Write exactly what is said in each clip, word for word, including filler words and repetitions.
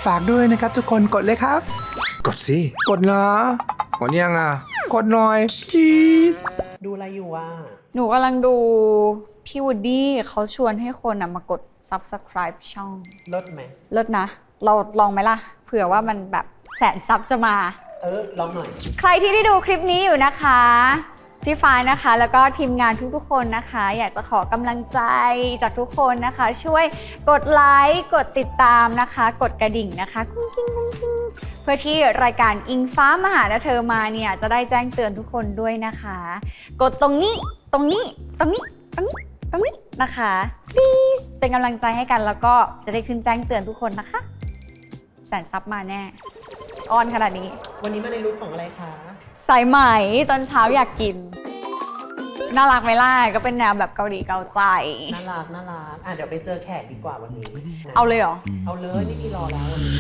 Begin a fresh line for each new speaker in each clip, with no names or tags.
ฝากด้วยนะครับทุกคนกดเลยครับ กดสิกดนะกดยังอ่ะกดหน่อยจีด
ดูอะไรอยู่วะ
หนูกำลังดูพี่วูดดี้เขาชวนให้คนมากด Subscribe ช่อง
ลดไหม
เลิศนะ เราลองไหมล่ะ เผื่อว่ามันแบบแสนซับจะมา
เออลองหน่อย
ใครที่ได้ดูคลิปนี้อยู่นะคะพี่ฟ้ายนะคะ แล้วก็ทีมงานทุกๆคนนะคะ อยากจะขอกำลังใจจากทุกคนนะคะ ช่วยกดไลค์กดติดตามนะคะ กดกระดิ่งนะคะกุ้งกิ้งกุ้งกิ้งเพื่อที่รายการอิงฟ้ามาหาและเธอมาเนี่ยจะได้แจ้งเตือนทุกคนด้วยนะคะ กดตรงนี้ตรงนี้ตรงนี้ตรงนี้ตรงนี้นะคะ please เป็นกำลังใจให้กันแล้วก็จะได้ขึ้นแจ้งเตือนทุกคนนะคะแสนซับมาแน่อ้อนขนาดนี้
วันนี้มาในรูปของอะไรคะ
สายไหมตอนเช้าอยากกิน น่ารักไหมล่ะก็เป็นแนวแบบเกาหลีเกาใจ
น่ารักน่ารักอ่ะเดี๋ยวไปเจอแขกดีกว่าวันนี้นะ
เอาเลยเหรอ
เอาเลยไม่มีรอแล้ววันนี้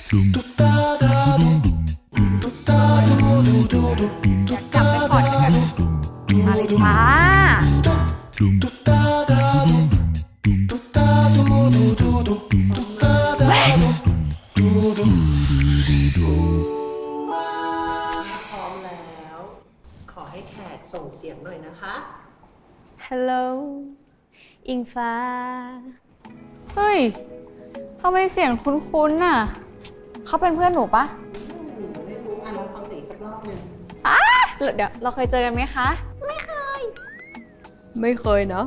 อยากจับไปก่อนกันมาเลยค่ะ
พร้อมแล้ว ขอให้แขกส่งเสียงหน่อยนะคะ
Hello อิงฟ้า เฮ้ยทำไมเสียงคุ้นๆน่ะ เขาเป็นเพื่อนหนูปะ
ไม่รู้อ่ะลองฟังเสียงอีกสักรอบหนึ่ง
อ้าเดี๋ยวเราเคยเจอกันไหมคะ ไม่เคย ไม่เคยเนาะ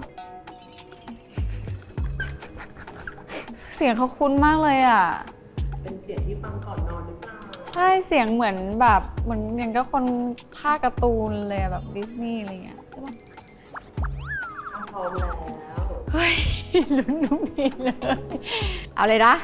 เสียงเขาคุ้นมากเลยอ่ะ
เป็นเสียงที่ฟังก่อนนอนหรือเปล่า
ใช่เสียงเหมือนแบบเหมือนอย่างก็คนภาคการ์ตูนเลยอะแบบดิสนีย์อะไรเงี้ยใช่ปะ
อ่ะพร้อมแล้ว
เฮ้ยลุ้นนุ่มนีเลย เอาเลยนะ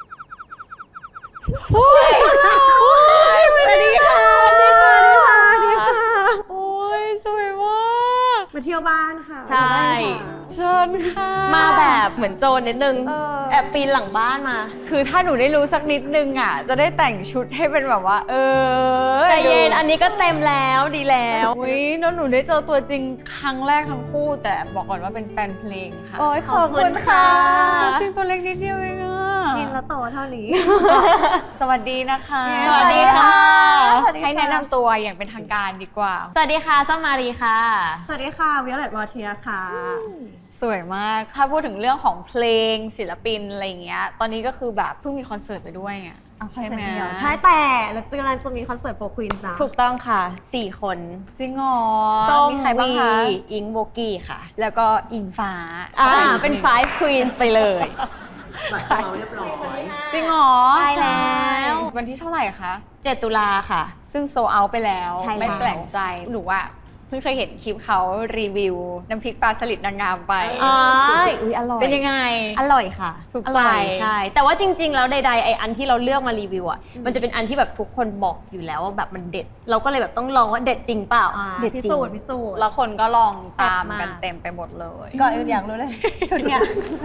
โอ้ยสวัสดีค่ะสวัสดีค่ะสวัสดีค่ะโอ้ยสวยมาก
มาเที่ยวบ้านค่ะ
ใช่
เชิญค่ะ
มาแบบเหมือนโจรนิดนึง
เออ
แอบปีนหลังบ้านมา
คือถ้าหนูได้รู้สักนิดนึงอ่ะจะได้แต่งชุดให้เป็นแบบว่า เออ
ใจเย็นอันนี้ก็เต็มแล้วดีแล้ว
อุ้ยแล้วหนูได้เจอตัวจริงครั้งแรกทั้งคู่ แต่บอกก่อนว่าเป็นแฟนเพลงค่ะ
โอ้ยขอบคุณค่ะ
จริงตัวเล็กนิดเดียวเองอ่ะ
กินแล้วโตเท่านี้
สวัสดีนะคะ
สวัสดีค่ะ
สวัสดีค่ะ
ให้แนะนำตัวอย่างเป็นทางการดีกว่า
สวัสดีค่ะส้มมารีค่ะ
สวัสดีค่ะวิโอเลตวอเทียค่ะ
สวยมาก ถ้าพูดถึงเรื่องของเพลงศิลปินอะไรอย่างเงี้ย ตอนนี้ก็คือแบบเพิ่งมีคอนเสิร์ตไปด้วยไงใช่ไหม
ใช่แต่เราจะกำลังจะมีคอนเสิร์ตโฟร์ควีนส์นะ
ถูกต้องค่ะสี่คน
จริงเหรอ
ส้ม
มีใครบ้าง
วี
คะ
อิงโบกี้ค่ะ
แล้วก็อิงฟ้า
อ่าเป็น five queens ไปเลย
หมายความเรียบร้อย
จริงเหรอ
ใช่แล้ว
วันที่เท่าไหร่คะ
เจ็ดตุลาค่ะ
ซึ่งโซเอาไปแล้ว
ใช่
ไม่
แล้ว
แปลกใจหนูว่าเพิ่งเคยเห็นคลิปเขารีวิว น้ำพริกปลาสลิดนางงามไป
อ๋ออุ้ยอร่อย
เป็นยังไง
อร่อยค่ะ
ถูก
อ
ใจ
ร่อยใช่ แต่ว่าจริงๆ แล้วใดๆไออันที่เราเลือกมารีวิวอ่ะ มันจะเป็นอันที่แบบทุกคนบอกอยู่แล้วว่าแบบมันเด็ด เราก็เลยแบบต้องลองว่าเด็ดจริงเปล่า
อ่า
เด็ด
พิ
จริง
สูจน์พิสูจน์
แล้วคนก็ลองตาม
แซ่บมาก
กันเต็มไปหมดเลย
ก่อนอื่นอยากรู้เลย ชุดเนี้ย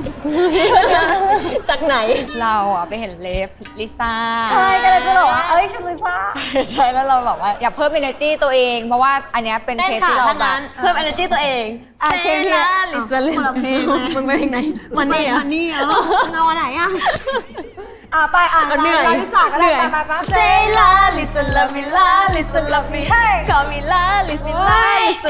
จากไหน
เราอะไปเห็นเลฟลิซ่า
ใช่ก็เลยจะบอกว่า เอ้ยชุดลิซ่า
ใช่แล้วเราแบบว่าอยากเพิ่ม energy ตัวเอง เพราะว่าอันเนี้ยเป็น
ได้
เทป
ค่ะ
ที่เรา
ถ้า
แบ
งั้
บ
นเพิ่ม energy ตัวเอง
อ่ะเพลงที่
ลาลิซาลิ
คนละเพลงเลย
มึงไปเพลงไหนมันนี่
มั
อ่ะ
นนี่เหรอเอาอันไหนอ่ะ อ่ะไปอ่ะ
เหนื่อย
ลาลิซ่าก็ได้
เหนื่อย
ไปไปไป
Say la listen love me la listen love me hey call me la listen la listen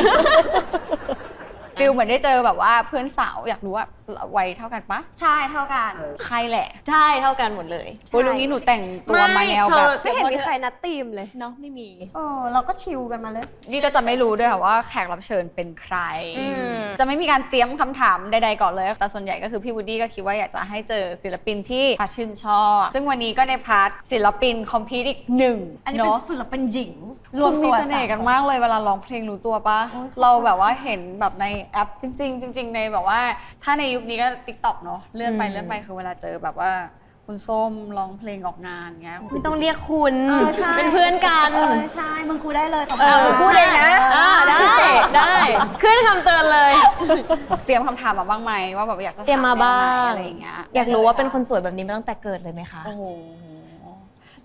ฟิลเหมือนได้เจอแบบว่าเพื่อนสาวอยากรู้ว่าวัยเท่ากันปะ
ใช่เท่ากัน
ใช่แหละ
ใช่เท่ากันหมดเลย
โอ้ยลุงนี้หนูแต่งตัวมาแนวแบบ
ไม่เห็นมีใครนัดทีมเลย
เนาะไม่มี
เออเราก็ชิลกันมาเลย
นี่ก็จะไม่รู้ด้วยค่ะว่าแขกรับเชิญเป็นใคร
อืม
จะไม่มีการเตรียมคำถามใดๆก่อนเลย แต่ส่วนใหญ่ก็คือพี่วูดดี้ก็คิดว่าอยากจะให้เจอศิลปินที่ฟ้าชื่นชอบ ซึ่งวันนี้ก็ในพาร์ทศิลปินคอมพีตอีกหนึ่ง
อันนี้เป็น
เนาะ
ศิลปินหญิง
คุณมีเสน่ห์กันมากเลยเวลาร้องเพลงรู้ตัวปะเราแบบว่าเห็นแบบในแอปจริง ๆ จริง ๆ ในแบบว่าถ้าในยุคนี้ก็ TikTok เนาะเลื่อนไปเลื่อนไปคือเวลาเจอแบบว่าคุณส้มร้องเพลงออกงานเงี้ย
ไม่ต้องเรียกคุณ
เออใช่
เป็นเพื่อนกัน
เออใช่ มึงกูได้เลยต่อไป
เออพูดเองนะ
อ่าได้ได้ขึ้นคำเตือนเลย
เตรียมคำถามมาบ้างไหมว่าแบบอยากจะถ
เตรียมมาบ้าง
อะไรอย่างเงี้ย
อยากรู้ว่าเป็นคนสวยแบบนี้มาตั้งแต่เกิดเลยไหมคะ
โอ้โห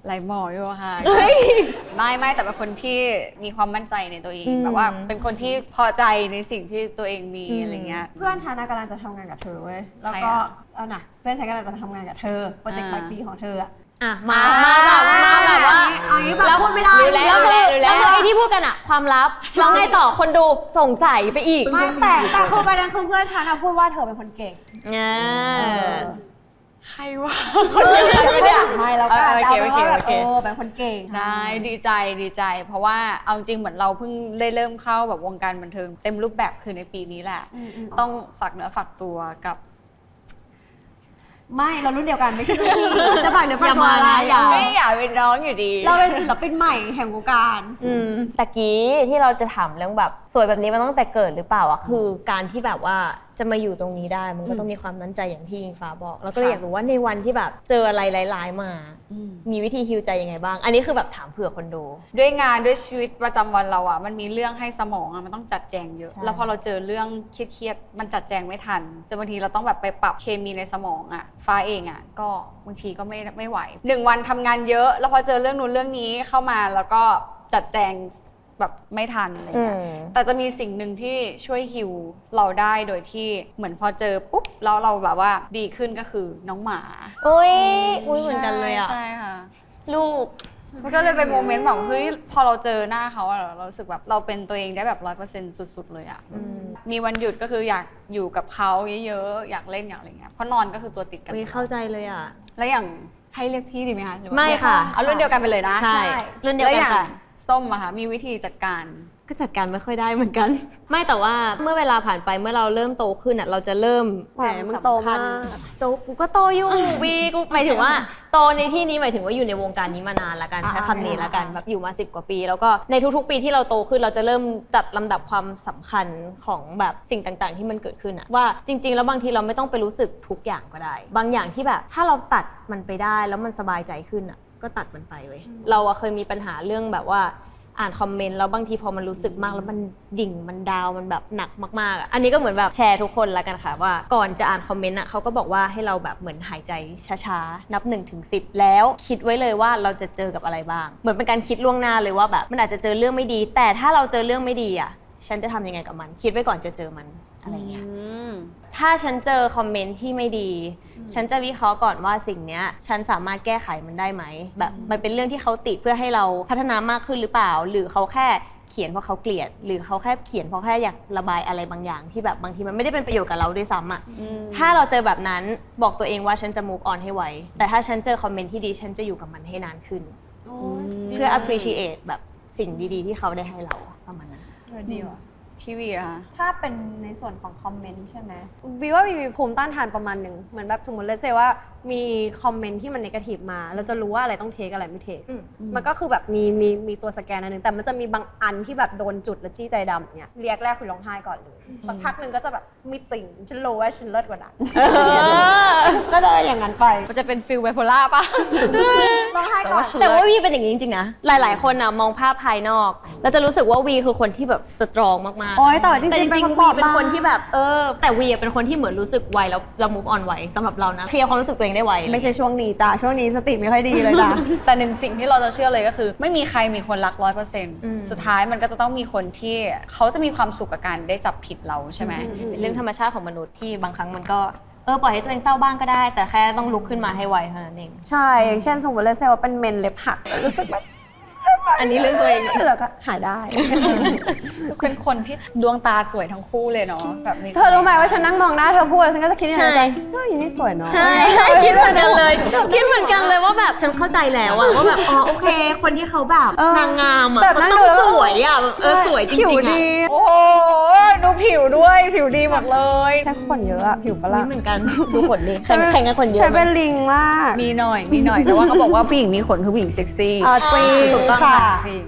ไหลหมออยู่อะค่ะไม่ไม่แต่เป็นคนที่มีความมั่นใจในตัวเองแบบว่าเป็นคนที่พอใจในสิ่งที่ตัวเองมีอะไรเงี้ย
เพื่อนฉันน่ะกำลังจะทำงานกับเธอเว้ยแล้ว
ใคร
ก็
อะ
เอาน่ะเพื่อนฉันกำลังจะทำงานกับเธอโปรเจกต์ปลายปีของเธออะ
อ่ะมามาแบบมาแบบว่า
เอางี้แบบพูดไม่ได้
รู้แล้ว
แล้วคือ
รู้แล้ว
แล้วคือไอ้ที่พูดกันอะความลับแล้วไงต่อคนดูสงสัยไปอีก
ไม่แต่แต่คือประเด็นคือเพื่อนฉันอะพูดว่าเธอเป็นคนเก่ง
อ่า
ใครวะคนเดียวกันเนี่ย
ไม่แล้วก็
เออโอเค
เอาเป็นว่าแบบ
โอเค
เออเป็นคนเก่ง
ได้ดีใจดีใจ เพราะว่าเอาจริงเหมือนเราเพิ่งได้เริ่มเข้าแบบวงการบันเทิงเต็มรูปแบบคือในปีนี้แหละ
อืมอืม
ต้องฝากเนื้อฝากตัวกับ
ไม่เรารุ่นเดียวกันไม่ใช่รุ่นพี่จะฝากเนื้อฝาก
อย่า
ตัว
มา
อะไร
นะอย่า
ไม่อยากเป็นน้องอยู่ดี
เราเป็นศิลปินใหม่แห่งวงการ
อืมตะกี้ที่เราจะถามเรื่องแบบสวยแบบนี้มันตั้งแต่เกิดหรือเปล่าอะคือการที่แบบว่าจะมาอยู่ตรงนี้ได้มันก็ต้องมีความมั่นใจอย่างที่อิงฟ้าบอก แล้วก็เลย
ค่ะ
อยากรู้ว่าในวันที่แบบเจออะไรร้ายๆมา
อืม
มีวิธีฮีลใจยังไงบ้าง อันนี้คือแบบถามเผื่อคนดู
ด้วยงานด้วยชีวิตประจำวันเราอะมันมีเรื่องให้สมองอะมันต้องจัดแจงเยอะ
ใช่
แล้วพอเราเจอเรื่องเครียดๆมันจัดแจงไม่ทันจนบางทีเราต้องแบบไปปรับเคมีในสมองอะฟ้าเองอะก็บางทีก็ไม่ไม่ไหวหนึ่งวันทำงานเยอะ แล้วพอเจอเรื่องนู้นเรื่องนี้เข้ามาแล้วก็จัดแจงแบบไม่ทันอะไร
อื
เงี้ย
ม
แต่จะมีสิ่งหนึ่งที่ช่วยฮิวเราได้โดยที่เหมือนพอเจอปุ๊บแล้วเราแบบว่าดีขึ้นก็คือน้องหมา
อุ้ยอุ้ยเหมือนกันเลยอะ
ใช่ค่ะ
ลูก
มันก็เลยเป็นโมเมนต์แบบเฮ้ยพอเราเจอหน้าเขาอะเรารู้สึกแบบเราเป็นตัวเองได้แบบร้อยเปอร์เซ็นต์สุดๆเลยอะ
อืม
มีวันหยุดก็คืออยากอยู่กับเขาเยอะๆอยากเล่นอยากอะไรเงี้ยเพราะนอนก็คือตัวติดกัน
อุ้ยเข้าใจเลยอะ
แล้วอย่างให้เรียกพี่ดีไหมคะหรือว่า
ไม่ค่ะ
เอารุ่นเดียวกันไปเลยนะ
ใช่รุ่นเดียว
แล้ว
กั
อน ย่าง
ค่ะ
ส้มอะค่ะมีวิธีจัดการ
ก็จัดการไม่ค่อยได้เหมือนกัน ไม่แต่ว่าเมื่อเวลาผ่านไปเมื่อเราเริ่มโตขึ้นอ่ะเราจะเริ่ม
แหมมึงโตมาก
โตกูก็โตอยู่ วีกูหมายถึงว่าโตในที่นี้หมายถึงว่าอยู่ในวงการนี้มานานละกัน
อ่า
ใช้คำนี้ละกัน
อ่า
แบบอยู่มาสิบกว่าปี แล้วก็ในทุกๆ ปีที่เราโตขึ้นเราจะเริ่มจัดลำดับความสำคัญของแบบสิ่งต่างๆ ที่มันเกิดขึ้นอะว่าจริง ๆ แล้วบางทีเราไม่ต้องไปรู้สึกทุกอย่างก็ได้ บางอย่างที่แบบถ้าเราตัดมันไปได้แล้วมันสบายใจขึ้นอะก็ตัดมันไปเว้ยเราอะเคยมีปัญหาเรื่องแบบว่า อ่านคอมเมนต์แล้วบางทีพอมันรู้สึกมากแล้วมันดิ่งมันดาวมันแบบหนักมากๆอะอันนี้ก็เหมือนแบบแชร์ทุกคนละกันค่ะว่าก่อนจะอ่านคอมเมนต์อ่ะเขาก็บอกว่าให้เราแบบเหมือนหายใจช้าๆนับหนึ่งถึงสิบแล้วคิดไว้เลยว่าเราจะเจอกับอะไรบ้างเหมือนเป็นการคิดล่วงหน้าเลยว่าแบบมันอาจจะเจอเรื่องไม่ดี แต่ถ้าเราเจอเรื่องไม่ดีอ่ะฉันจะทำยังไงกับมันคิดไว้ก่อนจะเจอมันอะไรเงี้ย ถ้าฉันเจอคอมเมนต์ที่ไม่ดี ฉันจะวิเคราะห์ก่อนว่าสิ่งเนี้ยฉันสามารถแก้ไขมันได้ไหม แบบมันเป็นเรื่องที่เขาติเพื่อให้เราพัฒนามากขึ้นหรือเปล่า หรือเขาแค่เขียนเพราะเขาเกลียด หรือเขาแค่เขียนเพราะแค่อยากระบายอะไรบางอย่างที่แบบบางทีมันไม่ได้เป็นประโยชน์กับเราด้วยซ้ำอ่ะ ถ้าเราเจอแบบนั้นบอกตัวเองว่าฉันจะ move on ให้ไว แต่ถ้าฉันเจอคอมเมนต์ที่ดีฉันจะอยู่กับมันให้นานขึ้น เพื่อ appreciate แบบสิ่งดีๆที่เขาได้ให้เราประมาณนั้น
ดีว่ะพี่วีอะค่ะ
ถ้าเป็นในส่วนของคอมเมนต์ใช่ไหมวีว่าวีมีภูมิต้านทานประมาณหนึ่งเหมือนแบบสมมติเลยเซว่ามีคอมเมนต์ที่มันเนกาทีฟมาเราจะรู้ว่าอะไรต้องเทคอะไรไม่เทค
อืม
มันก็คือแบบมีมีมีตัวสแกนอันหนึงแต่มันจะมีบางอันที่แบบโดนจุดแล้วจี้ใจดำเนี่ยเรียกแรกคือร้องไห้ก่อนเลยสักพักหนึ่งก็จะแบบมีสิ่งฉันรู้ว่าฉันเลิศกว่านั้นก็จะอย่างนั้นไป
มันจะเป็นฟิลไบโพล่าป่ะ
ร้องไห้ก่อน
แต่ว่าวีเป็นอย่างนี้จริงๆนะ หลายๆ คนนะมองภาพภายนอก แล้วจะรู้สึกว่าวีคือคนที่แบบสตรองมากๆ
โอ๊ยแต่ว่าจริงๆ
แต่จ
เป็น
ริง
คน
ๆวี
บอบบาง
เป็นคนที่แบบเออแต่วีอะเป็นคนที่เหมือนรู้สึกไวแล้วเรา move on ไวสำหรับเรานะเคลียร์ความรู้สึกตัวเองได้ไว
ไม่ใช่ช่วงนี้จ้ะช่วงนี้สติไม่ค่อยดีเลยจ้ะ
แต่หนึ่งสิ่งที่เราจะเชื่อเลยก็คือ ไม่มีใครมีคนรักร้อยเปอร์เซ็นต์
อืม
สุดท้ายมันก็จะต้องมีคนที่เขาจะมีความสุขกับการได้จับผิดเราใช่ไหม
เป็นเรื่องธรรมชาติของมนุษย์ที่บางครั้งมันก็เออปล่อยให้ตัวเองเศร้าบ้างก็ได้ แต่แค่ต้องลุกขึ้นมาให้ไวเท่านั้นเอง
ใช่อย่างเช่นสมมติเลยเซว่าเป็นเมนเล็บหักรู้สึกแบบ
อันนี้เรื่องตัวเอง
แล้วก็หายได้
เป็นคนที่ดวงตาสวยทั้งคู่เลยเนาะแบบมี
เธอรู้ไหมว่าฉันนั่งมองหน้าเธอพูดแล้วฉันก็จะคิดในใจ
ใช่
เฮ้ยนี่สวยเนาะ
ใช่คิดเหมือนกันเลยคิดเหมือนกันเลยว่าแบบฉันเข้าใจแล้วอะว่าแบบอ๋อโอเค คนที่เขาแบบ
เออน
างงามอะ
แบบ
เขา
นั่ง
ต้อ
ดู
ง
แล้ว
สวยอะแบบเออสวยจริงๆ
ผิว
อะ
ดี
โอ้โหดูผิวด้วยผิวดีหมดเลย
ใช้ขนเยอะอะผิวปะ
นี่
ล่ะ
เหมือนกันดูขนดิแข่งแข่งกันขนเยอะ
ใช้
ไหม
เป็นลิงมาก
มีหน่อยมีหน่อยแต่ว่าเขาบอกว่าผู้หญิงมีขนคือผู้หญิงเซ็กซี่
อ่าจริง
ถูกต้อง
ค่ะ
ค่ะจริง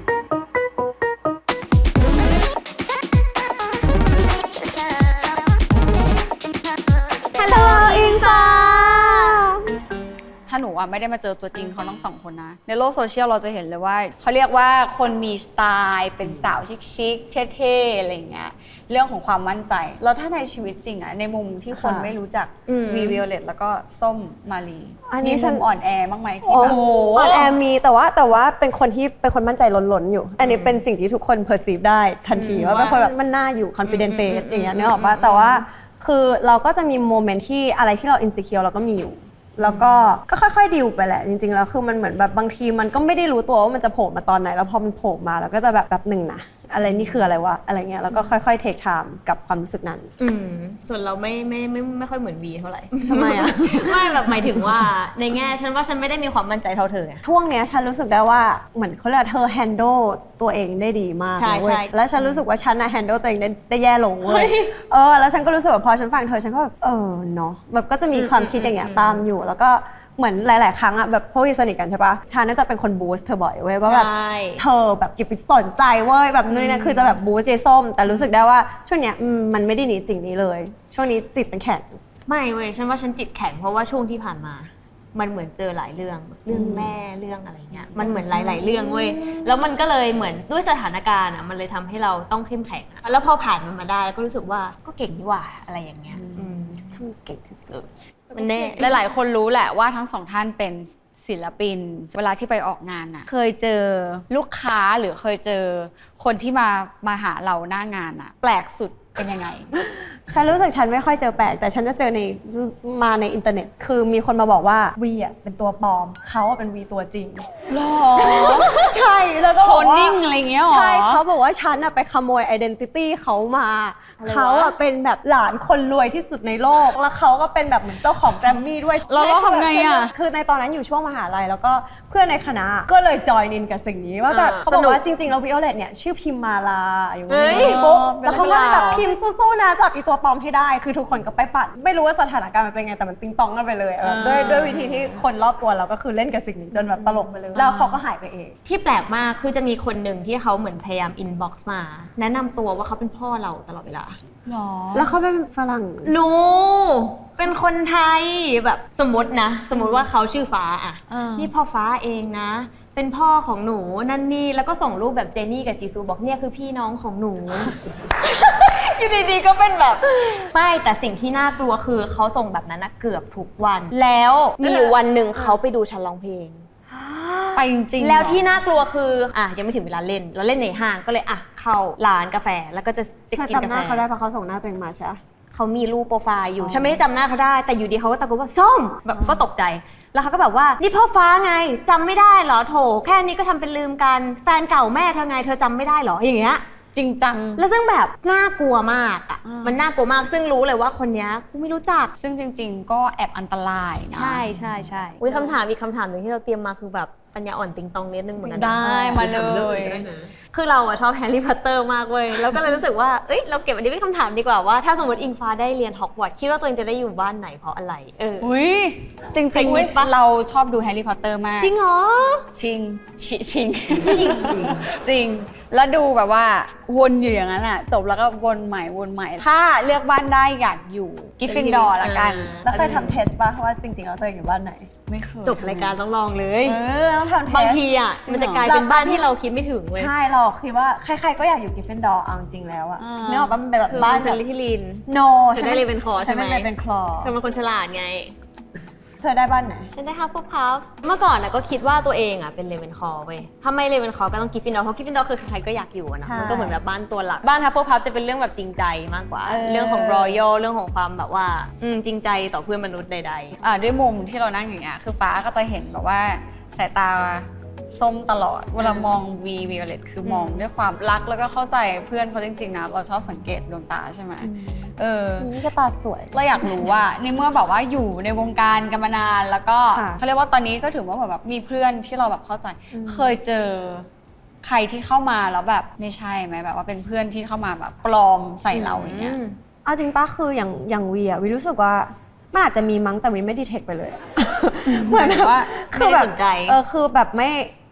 ฮัลโหลอิงฟ้า
ถ้าหนูอะไม่ได้มาเจอตัวจริงเขาทั้งสองคนนะในโลกโซเชียลเราจะเห็นเลยว่าเขาเรียกว่าคนมีสไตล์เป็นสาวชิคๆเท่ๆอะไรอย่างเงี้ยเรื่องของความมั่นใจแล้วถ้าในชีวิตจริงอะในมุมที่คนไม่รู้จัก
อืม
วีวิโอเลตแล้วก็ส้มมาลี
อันนี้
มี
ฉั
มุ
น
มอ่อนแอบ้างไหมที่
โอ้
แบบ
โหออนแอร์มีแต่ว่าแต่ว่าเป็นคนที่เป็นคนมั่นใจล้นๆอยู่ อันนี้เป็นสิ่งที่ทุกคน perceive ได้ทันทีว่าเป็นคนแบบมันน่าอยู่ confident face อย่างเงี้ยนึกออกปะแต่ว่าคือเราก็จะมีโมเมนต์ที่อะไรที่เรา insecure เราก็มีอยู่ แล้วก็ก็ค่อยๆดิวไปแหละจริงๆแล้วคือมันเหมือนแบบบางทีมันก็ไม่ได้รู้ตัวว่ามันจะโผล่มาตอนไหนแล้วพอมันโผล่มาเราก็จะแบบแบบหนึ่งนะอะไรนี่คืออะไรวะอะไรเงี้ยแล้วก็ค่อยๆ take time กับความรู้สึกนั้น
อืมส่วนเราไม่ไม่ไม่ไม่ค่อยเหมือนวีเท่าไหร่
ทำไมอะ
ไม่แบบหมายถึงว่าในแง่ฉันว่าฉันไม่ได้มีความมั่นใจเท่าเธอไง
ช่วงเนี้ยฉันรู้สึกได้ว่าเหมือนเขาเรียกว่าเธอ handle ตัวเองได้ดีมาก
ใช่
นะเว้ย
ใช่
แล้วฉันรู้สึกว่าฉันน่ะ handle ตัวเองได้ได้แย่ลงเว้ยเออแล้วฉันก็รู้สึกว่าพอฉันฟังเธอฉันก็แบบเออเนาะแบบก็จะมีความคิดอย่างเงี้ยตามอยู่แล้วก็เหมือนหลาย ๆ ครั้งอะแบบพวกที่สนิทกันใช่ปะฉันน่าจะเป็นคนบูสต์เธอบ่อยเว้ยว่าแบบ
ใช่
เธอแบบอย่าไปสนใจเว้ยแบบนู่นนี่นั่นคือจะแบบบูสต์เจส้มแต่รู้สึกได้ว่าช่วงเนี้ยอืมมันไม่ได้หนีสิ่งนี้เลย ช่วงนี้จิตเป็นแข็ง
ไม่เว้ยฉันว่าฉันจิตแข็งเพราะว่าช่วงที่ผ่านมา มันเหมือนเจอหลายเรื่องเรื่องแม่เรื่องอะไรเงี้ยมันเหมือนหลาย ๆ เรื่องเว้ยแล้วมันก็เลยเหมือนด้วยสถานการณ์อ่ะมันเลยทำให้เราต้องเข้มแข็งอะแล้วพอผ่านมันมาได้ก็รู้สึกว่าก็เก่งดีหว่าอะไรอย่างเงี้ยอืม
ทำเก่งที่สุด
มันแน่
หลายๆคนรู้แหละว่าทั้งสองท่านเป็นศิลปิน เวลาที่ไปออกงานน่ะเคยเจอลูกค้าหรือเคยเจอคนที่มามาหาเราหน้างานน่ะแปลกสุดเป็นยังไง
ฉันรู้สึกฉันไม่ค่อยเจอแปลกแต่ฉันจะเจอในมาในอินเทอร์เน็ต คือมีคนมาบอกว่าวีอ่ะเป็นตัวปลอมเขาอ่ะเป็นวีตัวจริง
หรอ
ใช่แล้วก็
โค
บอก
น
ว่า
นิ่งอะไรเงี้ยหรอ
ใช่เขาบอกว่าฉันอ่ะไปขโมยไอดีนิตี้เขามา
อะไรวะ
เขาอ่ะเป็นแบบหลานคนรวยที่สุดในโลก แล้วเขาก็เป็นแบบเหมือนเจ้าของแกรมมี่ด้วย
เราเราทำไงอ่ะ
คือในตอนนั้นอยู่ช่วงมหาลัยแล้วก็เพื่อนในคณะก็เลยจอยอินกับสิ่งนี้ว่าแบบ
อ่า
เขาบอก
สนุก
ว่าจริงๆแล้ววิโอเลตเนี่ยชื่อพิมมาลาอยู่
เฮ้ย
นี่ปุ๊บ
เป็น
แล้วเขาก็เลยแบบ
เรื่องราว
พิมพ์สู้ๆนะจับอีตัวปลอมให้ได้ คือทุกคนก็ไปปัดไม่รู้ว่าสถานการณ์มันเป็นไงแต่มันติงตองกันไปเลยแบบด้วยด้วยวิธีที่คนรอบตัวเราก็คือเล่นกับสิ่งนี้จนแบบตลกไปเลยแล้วเขาก็หายไปเอง
ที่แปลกมากคือจะมีคนหนึ่งที่เขาเหมือนพยายามอินบ็อกซ์มา แนะนำตัวว่าเขาเป็นพ่อเราตลอดเวลา
หรอ
แล้วเขาเป็นฝรั่ง
หนูเป็นคนไทยแบบสมมตินะ สมมติว่าเขาชื่อฟ้าอะ
อ่านี่
นี่พ่อฟ้าเองนะ เป็นพ่อของหนูนั่นนี่แล้วก็ส่งรูปแบบเจนี่กับจีซูบอกเนี่ยคือพี่น้องของหนู อยู่ดีๆก็เป็นแบบไม่แต่สิ่งที่น่ากลัวคือเขาส่งแบบนั้นนะเกือบทุกวัน แล้วมีอยู่วันหนึ่งเขาไปดูฉันร้องเพลง
ไปจริงๆ
แล้วที่
เหรอ
น่ากลัวคืออ่ะยังไม่ถึงเวลาเล่นเราเล่นในห้างก็เลยอ่ะเข้าร้านกาแฟแล้วก็จะจะ
เธอ
กินกา
จำห
แฟ
น้าเขาได้เพราะเขาส่งหน้าตัวเองมาใช่ไหม
เขามีรูปโปรไฟล์อยู่
อ๋อ
ฉันไม่ได้จำหน้าเขาได้แต่อยู่ดีเขาก็ตะโกนว่าส้มแบบก็ตกใจ แล้วเขาก็แบบว่านี่พ่อฟ้าไงจำไม่ได้เหรอโถแค่นี้ก็ทำเป็นลืมกันแฟนเก่าแม่เธอไงเธอจำไม่ได้เหรออย่างเงี้ย
จริงจัง
แล้วซึ่งแบบน่ากลัวมากอ่ะ
อ่ามั
มันน่ากลัวมากซึ่งรู้เลยว่าคนเนี้ยกูไม่รู้จัก
ซึ่งจริง ๆ ก็แอบอันตรายนะ
ใช่ใช่ใช่อุ้ยคำถามอีกคำถามหนึ่งที่เราเตรียมมาคือแบบปัญญาอ่อนติงตองนิดนึงเหมือนกันนะ
ได้มาเล
ถามเรื่อง
ย
อื่นก็ได้นะ
คือเราอะชอบแฮร์รี่พอตเตอร์มากเว้ย แล้วก็เลยรู้สึกว่า เอ้ย เราเก็บอันนี้เป็นคำถามดีกว่าว่า ถ้าสมมติอิงฟ้าได้เรียนฮอกวอตส์คิดว่าตัวเองจะได้อยู่บ้านไหนเพราะอะไร เออ
อุ้ยจริง
เคยคิดปะ
ๆเราชอบดูแฮร์รี่พอตเตอร์มาก
จริงเหรอ
ชิงชิชิงจริง แล้วดูแบบว่าวนอยู่อย่างนั้นอะจบแล้วก็วนใหม่วนใหม่ ถ้าเลือกบ้านได้อยากอยู่กิฟฟินดอร์ละกัน
แล้วเคยทำเทสป่ะว่าจริงๆแล้วตัวเองอยู่บ้านไหน
ไม่เคย
จบรายการต้องลองเลย
เออต้องทำเทส
บางทีอะมันจะกลายเป็นบ้านที่เราคิดไม่ถึงเว้ย
ใช่เราคิดว่าใครๆก็อยากอยู่กิฟฟินดอร์เอาจริงๆแล้วอะ
อ่า
เนื้อออกปะมันเป็นแบบ
เธอ
บ้า
บ้าน น
แบ
เซ
บ
นลิทิลิน
no
เธอได้เรเวนคอร์ใช่ไหม
ฉันเป็นเรเวนคลอ
เธอเป็นคนฉลาดไง
เธอได้บ้านไหน
ฉันได้ฮัฟเฟิลพัฟเมื่อก่อนนะก็คิดว่าตัวเองอ่ะเป็นเลเวนคอร์เว้ยถ้าไม่เลเวนคอร์ก็ต้องกิฟฟินดอร์เพราะกิฟฟินดอร์คือใครๆก็อยากอยู่อะนะ
ใช่
มันก็เหมือนแบบบ้านตัวหลัก บ้านฮัฟเฟิลพัฟจะเป็นเรื่องแบบจริงใจมากกว่า
เออ
เรื่องของรอยัลเรื่องของความแบบว่าอืมจริงใจต่อเพื่อนมนุษย์ใด
อ่าด้วยมุมที่เรานั่งอย่างเงี้ยคือฟ้าก็จะเห็นแบบว่าสายตาส้มตลอด เวลามองวีวิโอเลตคือมองด้วยความรักแล้วก็เข้าใจเพื่อนเขาจริงๆนะเราชอบสังเกตดวงตาใช่ไหมเออ
นี่ก็ตาสวย
เราอยากรู้ว่าในเมื่อแบบว่าอยู่ในวงการกันมานานแล้วก็
ค่ะ
เขาเรียกว่าตอนนี้ก็ถือว่าแบบมีเพื่อนที่เราแบบเข้าใจ เคยเจอใครที่เข้ามาแล้วแบบไม่ใช่ไหมแบบว่าเป็นเพื่อนที่เข้ามาแบบปลอมใส่
ๆ
เราอย่างเงี้ย
ม
เอาจริงป้าคืออย่างอย่างวีอะวีรู้สึกว่ามันอาจจะมีมั้งแต่วีไม่ดีเทคไปเลยอะเหมือนแบบ
ว่า
ไม่ได้สนใจ
เออคือแบบไม่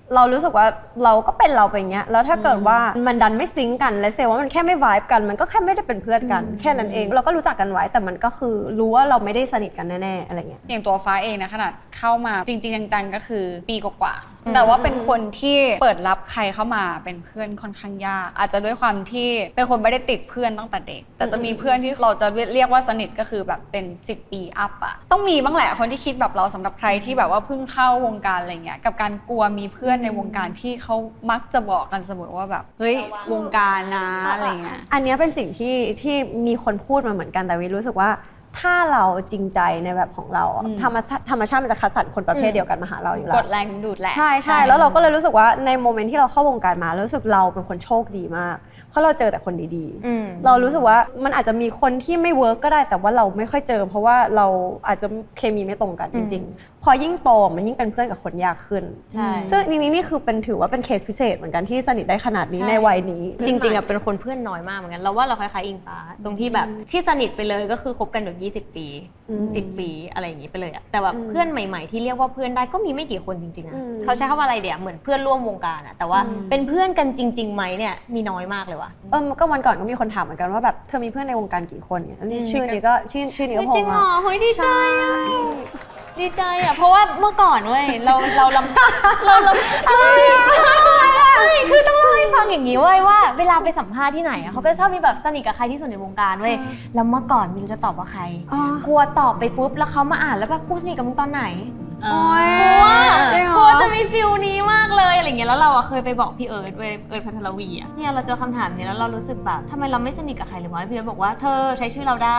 เรารู้สึกว่าเราก็เป็นเราไปอย่างเงี้ยแล้วถ้าเกิดว่ามันดันไม่ซิงก์กันและเซลว่ามันแค่ไม่ vibe กันมันก็แค่ไม่ได้เป็นเพื่อนกันแค่นั้นเองเราก็รู้จักกันไว้แต่มันก็คือรู้ว่าเราไม่ได้สนิทกันแน่ๆอะไรเงี้ย
อย่างตัวฟ้าเองนะขนาดเข้ามาจริงๆจังๆก็คือปีกว่าๆแต่ว่าเป็นคนที่เปิดรับใครเข้ามาเป็นเพื่อนค่อนข้างยากอาจจะด้วยความที่เป็นคนไม่ได้ติดเพื่อนตั้งแต่เด็กแต่จะมีเพื่อนที่เราจะเรียกว่าสนิทก็คือแบบเป็นสิบปีอัพอะต้องมีบ้างแหละคนที่คิดแบบเราสำหรับใครที่แบบว่าเพิ่งเข้าวงการอะไรเงี้ยกับการกลัวมีเพื่อนในวงการที่เขามักจะบอกกันเสมอว่าแบบเฮ้ยวงการนะอะไรเงี้ย
อันเนี้ยเป็นสิ่งที่ที่มีคนพูดมาเหมือนกันแต่วิรู้สึกว่าถ้าเราจริงใจในแบบของเราอะ
อืม
ธรรมชาติธรรมชาติมันจะคัดสรรคนประเภทเดียวกันมาหาเราอยู่แล้
ก
ว
ดแรงดึงดูดแหละ
ใช่ใช่แล้วเราก็เลยรู้สึกว่าในโมเมนต์ที่เราเข้าวงการมารู้สึกเราเป็นคนโชคดีมากเพราะเราเจอแต่คนดี
อืม
ๆ เรารู้สึกว่ามันอาจจะมีคนที่ไม่เวิร์กก็ได้แต่ว่าเราไม่ค่อยเจอ เพราะว่าเราอาจจะเคมีไม่ตรงกันจริงๆ พอยิ่งโตมันยิ่งเป็นเพื่อนกับคนยากขึ้น
ใช่
ซึ่งนี่นี่นี่คือเป็นถือว่าเป็นเคสพิเศษเหมือนกันที่สนิทได้ขนาดนี้ในวัยนี้
จริงๆอะเป็นคนเพื่อนน้อยมากเหมือนกันเราว่าเราคล้ายๆอิงฟ้าตรงที่แบบที่สนิทไปเลยก็คือคบกันแบบยี่สิบปี
อืม
สิบปีอะไรอย่างนี้ไปเลยอะแต่แบบ
อืม
เพื่อนใหม่ๆที่เรียกว่าเพื่อนได้ก็มีไม่กี่คนจริงๆนะ
อืม
เขาใช้คำว่าอะไรเดี๋ยวเหมือนเพื่อนร่วมวงการอะแต่ว่าเป็นเพื่อนกันจริงๆไหมเนี่ยมีน้อยมากเลยว่ะ
เออก็วันก่อนก็มีคนถามเหมือนกันว่าแบบเธอมีเพื่อนในวงการกี่คนเนี่ยอันนี้ชื่อนี้ก็ชื่อชื่อนี้ก็
จ
โผ
ริ
ล่
งเหร
มา
อเฮ้ยดีใจอะดีใจอะเพราะว่าเมื่อก่อนเว้ยเราเราลำเราลำไม่ไม่คือต้องเล่าให้ฟังอย่างนี้เว้ยว่าเวลาไปสัมภาษณ์ที่ไหนอะเขาก็ชอบมีแบบสนิทกับใครที่สุดในวงการเว้ยแล้วเมื่อก่อนไม่รู้จะตอบว่าใคร
อ๋อ
กลัวตอบไปปุ๊บแล้วเขามาอ่านแล้วแบบกูสนิทกับมึงตอนไหน
โอ้ย
กลัว
จริงเหรอ
กลัวจะมีฟิลนี้มากเลยอะไรเงี้ยแล้วเราอะเคยไปบอกพี่เอิร์ธเว้ยเอิร์ธพัทรวีอะเนี่ยเราเจอคำถามเนี้ยแล้วเรารู้สึกแบบทำไมเราไม่สนิทกับใครเลยวะพี่เอิร์ธบอกว่าเธอใช้ชื่อเราได้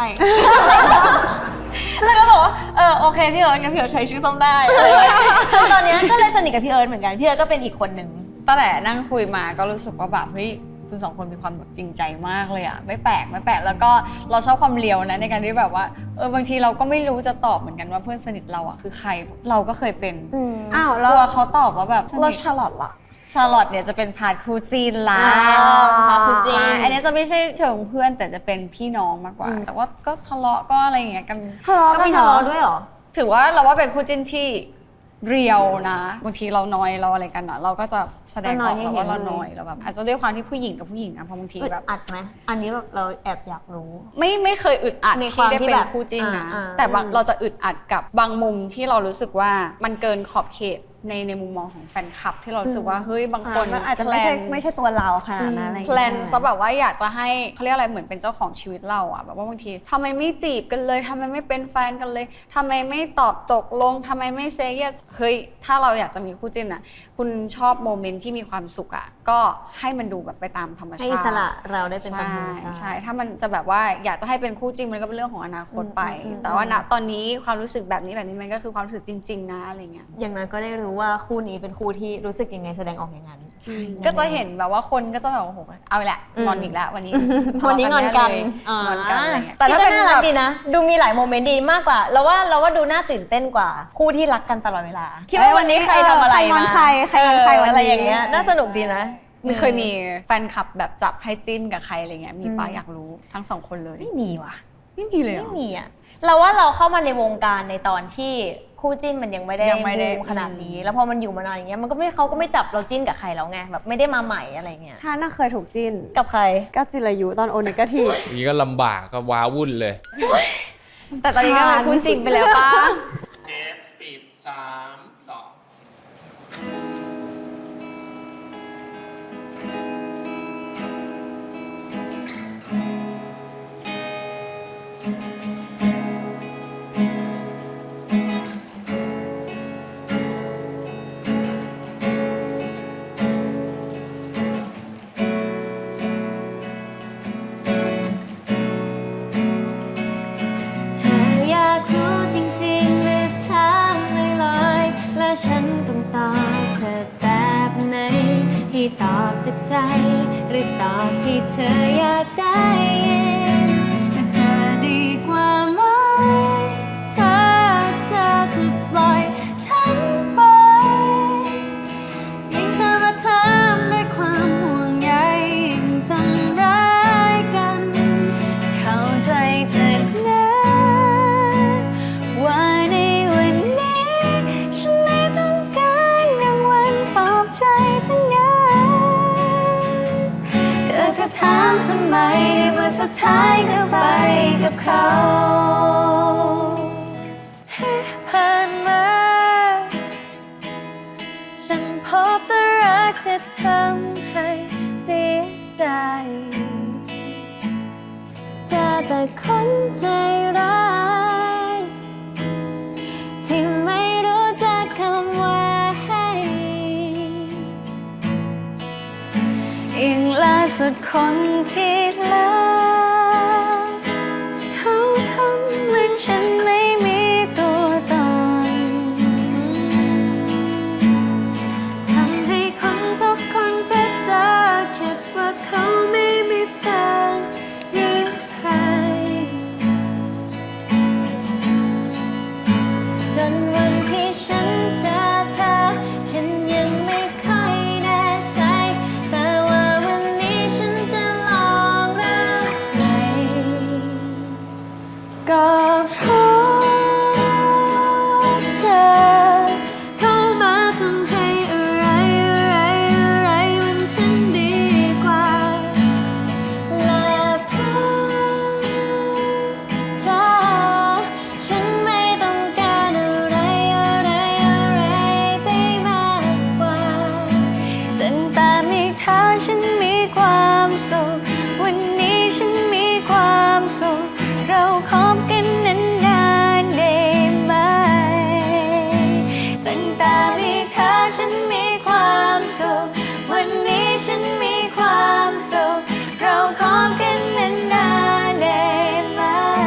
แล้วก็บอกว่าเออโอเคพี่เอิร์ธงั้นพี่เอิร์ธใช้ชื่อส้มได้อะไรเงี้ยจนตอนเนี้ยก็เลยสนิทกับพี่เอิร์ธเหมือนกันพี่เอิร์ธก็เป็นอีกคนหนึ่ง
ตั้งแต่นั่งคุยมาก็รู้สึกว่าแบบเฮ้ยคุณสองคนมีความแบบจริงใจมากเลยอะไม่แปลกไม่แปลกแล้วก็เราชอบความเลียวนะในการที่แบบว่าเออบางทีเราก็ไม่รู้จะตอบเหมือนกันว่าเพื่อนสนิทเราอะคือใครเราก็เคยเป็น
อ้าว
ก
แล้ว
ลัวเขาตอบว่าแบบ
แล้วชาร์ลอตล่ะ
ชาร์ลอตเนี่ยจะเป็นพาร์ทครูซีนละ
อ่า
พาร์ทครูซีนอันนี้จะไม่ใช่เชิงเพื่อนแต่จะเป็นพี่น้องมากกว่า แต่ว่าก็ทะเลาะก็อะไรอย่างเงี้ยกัน
ทะเลาะ
ก็
กัน
มี
ทะเลาะด้วยเหรอ
ถือว่าเราว่าเป็นคู่จิ้นที่เรียวนะบางทีเราน้อยเราอะไรกันอะเราก็จะแสดงออกแล้วว่าเราน้อยเราแบบอาจจะด้วยความที่ผู้หญิงกับผู้หญิงอะเพราะบางที
อึด
แบบ
อัดไหมอันนี้แบบเราแอบอยากรู้
ไม่ไม่เคยอึดอัด
ในค
ที่
วาม
ได้
ที่
เป็น
แบบ
คู่จิ้นนะ
อ่าอ่า
แต่บางเราจะอึดอัดกับบางมุมที่เรารู้สึกว่ามันเกินขอบเขตในในมุมมองของแฟนคลับ ที่เรารู้สึกว่าเฮ้ยบางคน
มันอาจจะไม่ใช่ไม่ใช่ตัวเราขนาดนั้นอะไรอย่าง
แพล
เงี้ย
นซะแบบว่าอยากจะให้เขาเรียกอะไรเหมือนเป็นเจ้าของชีวิตเราอะแบบว่าบางทีทำไมไม่จีบกันเลยทำไมไม่เป็นแฟนกันเลยทำไมไม่ตอบตกลงทำไมไม่เซย์เยสเฮ้ยถ้าเราอยากจะมีคู่จิ้นอะคุณชอบโมเมนต์ที่มีความสุขอะก็ให้มันดูแบบไปตามธรรมชาติ
ให้อิสระเราได้เป็นตามธรรม
ใช่
ชาติ
ใช่ถ้ามันจะแบบว่าอยากจะให้เป็นคู่จริงมันก็เป็นเรื่องของอนาคตไป
อืมอืม
แต่ว่าณตอนนี้ความรู้สึกแบบนี้แบบนี้มันก็คือความรู้สึกจริง ๆ นะอะไรเงี้ย
อย่างนั้นก็ได้รู้ว่าคู่นี้เป็นคู่ที่รู้สึกยังไงแสดงออกอย่างนั้น
ก็จะเห็นแบบว่าคนก็จะแบบโอ้โหเอาละ
อืม
งอนอีกแล้ววันนี้
วันนี้งอนกัน
งอนกันอะไรเงี้ย
แต่
แต่
ถ้า
ถ้า
เป็
เป็น น
น่ารั
แบ
ก
บ
ดีนะ ดูมีหลายโมเมนต์ดีมากกว่าเราว่าเราว่าดูน่าตื่นเต้นกว่า คู่ที่รักกันตลอดเวลาคิดว่าวันนี้ใครทำอะไร
ใครงอน
มา
ใครใครงอนใครวันนี้
อะไรอย่างเงี้ยน่าสนุกดีนะ
มันเคยมีแฟนคลับแบบจับให้จิ้นกับใครอะไรเงี้ยมีป้าอยากรู้ทั้งสองคนเลย
ไม่มีว่ะ
ไม่มีเลยเหร
ไม่
อ
มีอ่ะเราว่าเราเข้ามาในวงการในตอนที่คู่จิ้นมันยังไม่ได้
ยังไม่ได้
บูมขนาดนี้ แล้วพอมันอยู่มานานอย่างเงี้ยมันก็ไม่เขาก็ไม่จับเราจิ้นกับใครแล้วไงแบบไม่ได้มาใหม่อะไรเงี้ย
ฉันน่ะเคยถูกจิ้น
กับใคร
ก็จิรายุตอนโอเนกาทีฟ
นี่ก็ลำบากก็ว้าวุ่นเลย
แต่ตอนนี้ก็เป็นคู่จริงไปแล้วป้า
เทปสปีดสามสอง
เธออยากรู้จริงๆหรือถามลอยๆและฉันต้องตอบเธอแบบไหนให้ตอบจากใจ หรือตอบที่เธออยากได้ยินแต่เธอดีกว่าไหมถ้าเธอจะปล่อยฉันไปยิ่งเธอมาถามด้วยความห่วงใยยิ่งทำร้ายกัน เข้าใจเธอนะว่าในวันนี้ฉันไม่ต้องการรางวัลปลอบใจทำไมวันสุดท้ายก็ไปกับเขาที่ผ่านมาฉันพบแต่รักที่ทำให้เสียใจเจอแต่คนใจร้ายที่ไม่รู้จักคำว่าให้ยิ่งล่าสุดคนที่แล้วเขาทำเหมือนฉันไม่มีตัวตนทำให้คนทุกคนที่เจอคิดว่าเขาไม่มีแฟนหรือใครจนวันที่ฉันเจอเธอฉันยังไม่ค่อยแน่ใจแต่ว่าวันนี้ฉันจะลองรักใหม่ก็เพราะเธอเข้ามาทำให้อะไรอะไรอะไรมันฉันดีกว่าและเพราะเธอฉันไม่ต้องการอะไรอะไรอะไรไปมากกว่าตั้งแต่มีเธอฉันมีความสุขวันนี้ฉันมีความสุขเราคบกันนานๆได้ไหมตั้งแต่มีเธอฉันมีความสุขวันนี้ฉันมีความสุขเราคบกันนานๆได้ไหม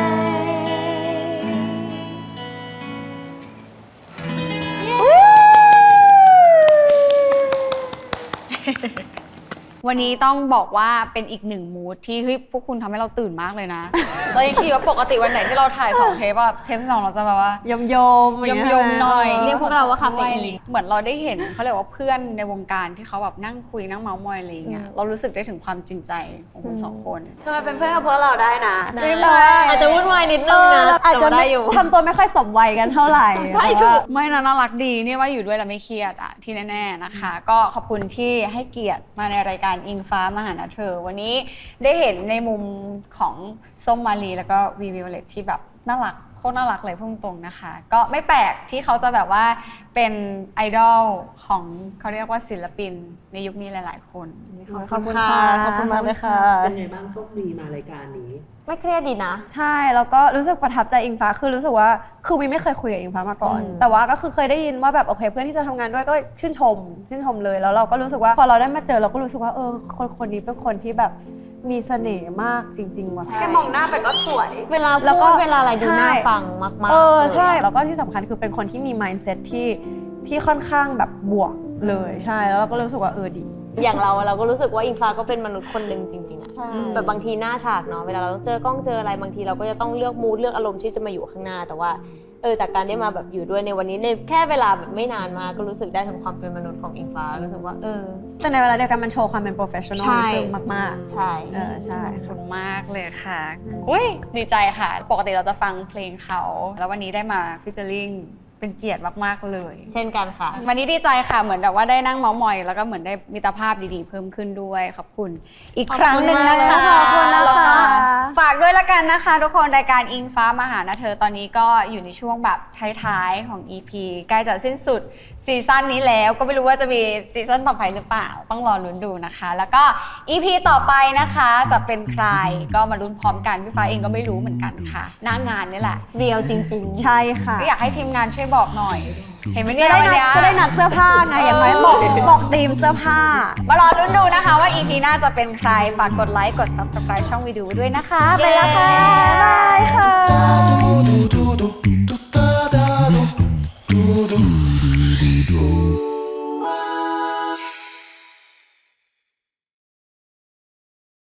วันนี้ต้องบอกว่าเป็นอีกหนึ่งมูดที่เฮ้ยพวกคุณทำให้เราตื่นมากเลยนะ เรายังคิดว่าปกติวันไหนที่เราถ่ายสองเทปอะเทปที่สองเราจะแบบว่าย
มยม
ยมยมๆหน่อย
เรียกพวกเราว่าคาเฟอีน
เหมือนเราได้เห็นเขาเรียกว่าเพื่อนในวงการที่เขาแบบนั่งคุยนั่งเมาท์มอยอะไรอย่างเงี้ยเรารู้สึกได้ถึงความจริงใจของคุณสองคน
ทำไมเป็นเพื่อนกับพวกเราได้นะ
ได้เลย อาจจะวุ่นวายนิดนึงนะ
อาจจะ
แต่ว่าได้
ไม่
อยู่
ทำตัวไม่ค่อยสมวัยกันเท่าไหร่
ใช่ถูกไม่นะน่ารักดีเนี่ยว่าอยู่ด้วยแล้วไม่เครียดอะที่แน่ๆนะคะ ก็ขอบคุณที่ให้เกียรติมาในรายการอิงฟ้ามาหานะเธอวันนี้ได้เห็นในมุมของส้มมาลีแล้วก็วีวิโอเลตที่แบบน่ารักโคตรน่ารักเลยพุ่งตรงนะคะ ก็ไม่แปลกที่เขาจะแบบว่าเป็นไอดอลของเขาเรียกว่าศิลปินในยุคนี้หลายๆคน
ขอบคุณค่ะ ขอบคุณมากเลยค่ะ
เป็นไงบ้างโชคดีมารายการนี้
ไม่เครียดดีนะ
ใช่แล้วก็รู้สึกประทับใจอิงฟ้าคือรู้สึกว่าคือวีไม่เคยคุยกับอิงฟ้ามาก่อน
อืม
แต่ว่าก็คือเคยได้ยินว่าแบบโอเคเพื่อนที่จะทำงานด้วยก็ชื่นชม ชื่นชมเลยแล้วเราก็รู้สึกว่าพอเราได้มาเจอเราก็รู้สึกว่าเออคนคนนี้เป็นคนที่แบบมีเสน่ห์มากจริงๆว่ะ
ใช่
แค่มองหน้าไปก็สวย
เวลา
แล้วก็
พูดเวลาอะไรดู
ใช่
น่าฟังมากๆ
เออ
ลย
ใช่แล้วก็ที่สำคัญคือเป็นคนที่มี mindset ที่ที่ค่อนข้างแบบบวกเลยใช่แล้วเราก็รู้สึกว่าเออดี
อย่างเราเราก็รู้สึกว่าอิงฟ้าก็เป็นมนุษย์คนหนึ่งจริงๆอะ
ใช่
แบบบางทีหน้าฉากเนาะเวลาเราเจอกล้องเจออะไรบางทีเราก็จะต้องเลือกมูดเลือกอารมณ์ที่จะมาอยู่ข้างหน้า แต่ว่าเออจากการได้มาแบบอยู่ด้วยในวันนี้ในแค่เวลาแบบไม่นานมาก็รู้สึกได้ถึงความเป็นมนุษย์ของอิงฟ้ารู้สึกว่าเออ
แต่ในเวลาเดียวกันมันโชว์ความเป็น professional
ใช่
มาก
ใช่
ๆเออใช่
ขอบคุณมากเลยค่ะอุ้ยดีใจค่ะ ปกติเราจะฟังเพลงเขา แล้ววันนี้ได้มาฟิชเจอริงเป็นเกียรติมากๆเลย
เช่นกันค่ะ
วันนี้ดีใจค่ะเหมือนแบบว่าได้นั่งเมาท์มอยแล้วก็เหมือนได้มิตรภาพดีๆเพิ่มขึ้นด้วยขอบคุณอีกครั้งหนึ่งนะคะ
ขอบคุณมากเลยค่ะ
แล้วก็ฝากด้วยละกันนะคะทุกคนรายการอิงฟ้ามาหานะเธอตอนนี้ก็อยู่ในช่วงแบบท้ายๆของ อี พี ใกล้จะสิ้นสุดซีซั่นนี้แล้วก็ไม่รู้ว่าจะมีซีซั่นต่อไปหรือเปล่าต้องรอลุ้นดูนะคะ แล้วก็ อี พี ต่อไปนะคะจะเป็นใครก็มาลุ้นพร้อมกันพี่ฟ้าเองก็ไม่รู้เหมือนกันค่ะหน้างานนี่แหละ
เรียวจริงๆ
ใช่ค่ะ
ก็อยากให้ทีมงานช่วยบอกหน่อย เห็นไหม
จะ
เนี่ย
ได้นัดจะได้นัดเสื้อผ้าไงอย่างน้อยบอกบอกธีมเสื้อผ้า
มารอลุ้นดูนะคะว่า อี พี หน้าจะเป็นใคร ฝากกดไลค์ กด ซับสไครบ์ ช่องวิดีโอด้วยนะคะ ไปแล้วค่ะ บ๊ายบายค่ะ